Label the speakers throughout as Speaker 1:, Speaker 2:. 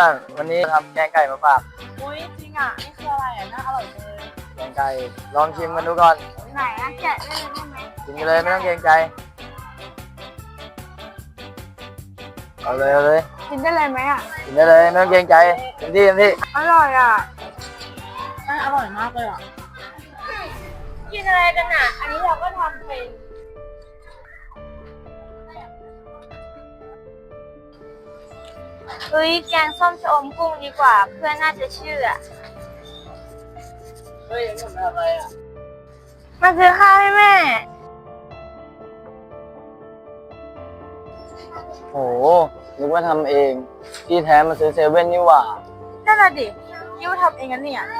Speaker 1: วันนี้ทำแกงไก่มาฝาก
Speaker 2: อุ้ยจริงอ่ะนี่คืออะไรอ่ะน่าอร่อยจังเลย
Speaker 1: แกงไก่ลองชิมกันดูก่อน
Speaker 2: ไหนนะแกะได้เลยได้ไหม
Speaker 1: กินกันเลยไม่ต้องเกรงใจเอาเลย
Speaker 2: กินได้เลยไหมอ่ะ
Speaker 1: กินได้เลยไม่ต้องเกรงใจเต็มที่
Speaker 2: อร่อยอ่ะอร่อยมากเลยอ่ะกินอะไรกันอ่ะอันนี้เราก็ทำเป็น
Speaker 3: แกงส้มชะอมกุ้งดีกว่าเพื่อนน่าจะเชื่อ
Speaker 1: เฮ้ยทำอะไรอ่ะ
Speaker 3: มาซื้อข้าวให้แม่
Speaker 1: โหนึกว่าทำเองที่แท้มาซื้อเซเว่นนี่หว่า
Speaker 2: นั่นแหละดิยูทำเองกันเนี่ย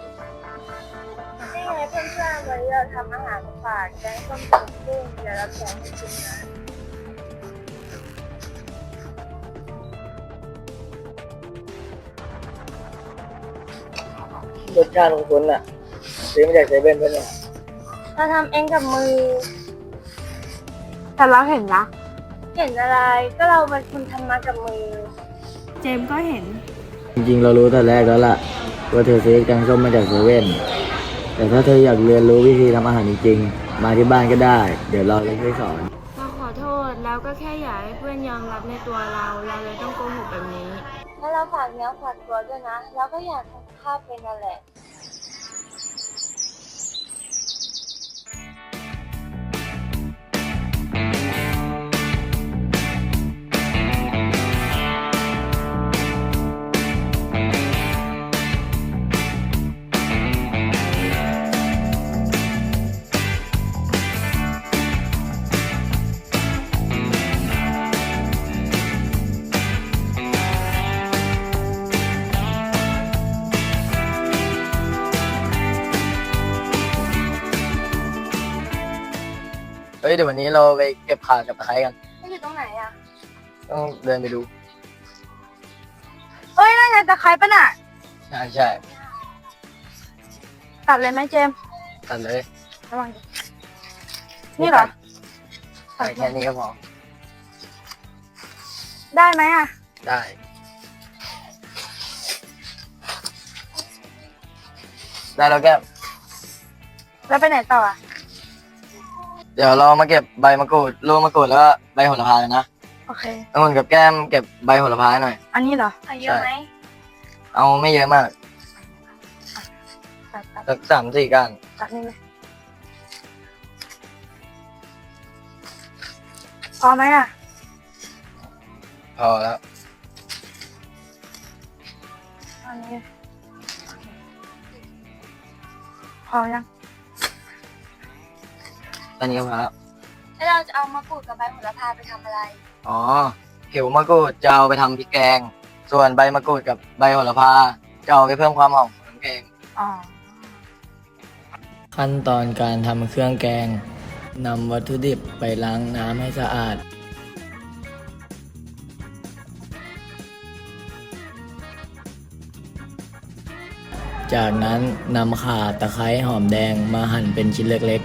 Speaker 3: นี่ไงเพื่อนๆวันนี้เราทำอาหารฝากแกงส้มชะอมกุ้งเดี๋ยวเราแกงให้กินนะ
Speaker 1: รสชาติของคุณอ่ะซื้อมาจากเซเว่นป่ะเนี่ย
Speaker 3: เราทำเองกับมือ
Speaker 2: แต่เราเห็นนะ
Speaker 3: เห็นอะไรก็เราเป็นคนทำมากับมือ
Speaker 2: เจมก็เห็น
Speaker 1: จริงๆเรารู้แต่แรกแล้วล่ะว่าเธอซื้อแกงส้มมาจากเซเว่นแต่ถ้าเธออยากเรียนรู้วิธีทำอาหารจริงๆมาที่บ้านก็ได้เดี๋ยวเราจะช่วยสอน
Speaker 3: เราขอโทษแล้วก็แค่อยากให้เพื่อนยอมรับในตัวเราเลยต้องโกหกแบบนี้แล้วเราฝากเนื้อฝากตัวด้วยนะเราก็อยากทำข้าวเป็นนั่นแหละ
Speaker 1: เฮ้ยเดี๋ยววันนี้เราไปเก็บข่ากับตะไคร้กัน
Speaker 3: ไม่อยู่ตรงไหนอ่ะ
Speaker 1: ต้องเดินไปดู
Speaker 2: นั่นไงตะไคร้ปะน่ะ
Speaker 1: ใช่
Speaker 2: ตัดเลยไหมเจม
Speaker 1: ตัดเลย
Speaker 2: ระวังนี่เหรอ
Speaker 1: ใส่แค่นี้ก็พอ
Speaker 2: ได้ไหมอ่ะ
Speaker 1: ได้แล้วแก้ม
Speaker 2: แล้วไปไหนต่ออ่ะ
Speaker 1: เดี๋ยวเรามาเก็บใบมะกรูดลูกมะกรูดแล้วก็ใบโหระพากันนะ
Speaker 2: โอเค
Speaker 1: องุ่นกับแก้มเก็บใบโหระพาหน่อย
Speaker 2: อันนี้เหรอ
Speaker 3: เยอะไหม
Speaker 1: เอาไม่เยอะมากสัก3-4ก้าน
Speaker 2: ตัดนี่เลยพอไหมอ่ะ
Speaker 1: พอแล้ว
Speaker 2: อันนี้พอยัง
Speaker 1: ตอนนี้ก็พอแล้ว
Speaker 3: เราจะเอามะกรูดกับใบโหระพาไปทำอะไร
Speaker 1: อ๋อผิวมะกรูดจะเอาไปทำพริกแกงส่วนใบมะกรูดกับใบโหระพาจะเอาไปเพิ่มความหอมของแกงขั้นตอนการทำเครื่องแกงนำวัตถุดิบไปล้างน้ำให้สะอาดจากนั้นนำข่าตะไคร้หอมแดงมาหั่นเป็นชิ้นเล็ก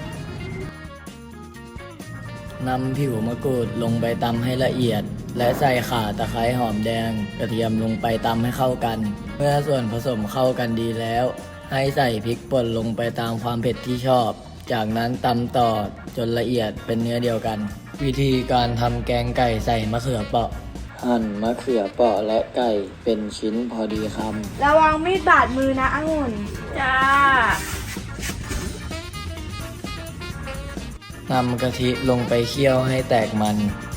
Speaker 1: ๆนำผิวมะกรูดลงไปตำให้ละเอียดและใส่ข่าตะไคร้หอมแดงกระเทียมลงไปตำให้เข้ากันเมื่อส่วนผสมเข้ากันดีแล้วให้ใส่พริกป่นลงไปตามความเผ็ดที่ชอบจากนั้นตำต่อจนละเอียดเป็นเนื้อเดียวกันวิธีการทำแกงไก่ใส่มะเขือเปราะหั่นมะเขือเปราะและไก่เป็นชิ้นพอดีคำ
Speaker 2: ระวังมีดบาดมือนะองุ่นจ้าน
Speaker 1: ำกะทิลงไปเคี่ยวให้แตกมัน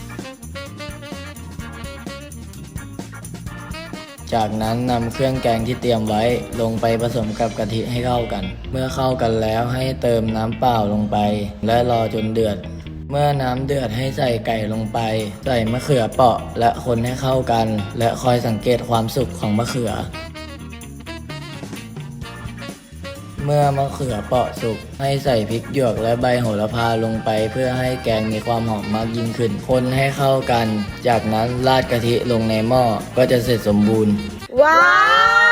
Speaker 1: จากนั้นนำเครื่องแกงที่เตรียมไว้ลงไปผสมกับกะทิให้เข้ากันเมื่อเข้ากันแล้วให้เติมน้ำเปล่าลงไปและรอจนเดือดเมื่อน้ำเดือดให้ใส่ไก่ลงไปใส่มะเขือเปราะและคนให้เข้ากันและคอยสังเกตความสุกของมะเขือเมื่อมะเขือเปราะสุกให้ใส่พริกหยวกและใบโหระพาลงไปเพื่อให้แกงมีความหอมมากยิ่งขึ้นคนให้เข้ากันจากนั้นราดกะทิลงในหม้อก็จะเสร็จสมบูรณ์
Speaker 2: ว้าว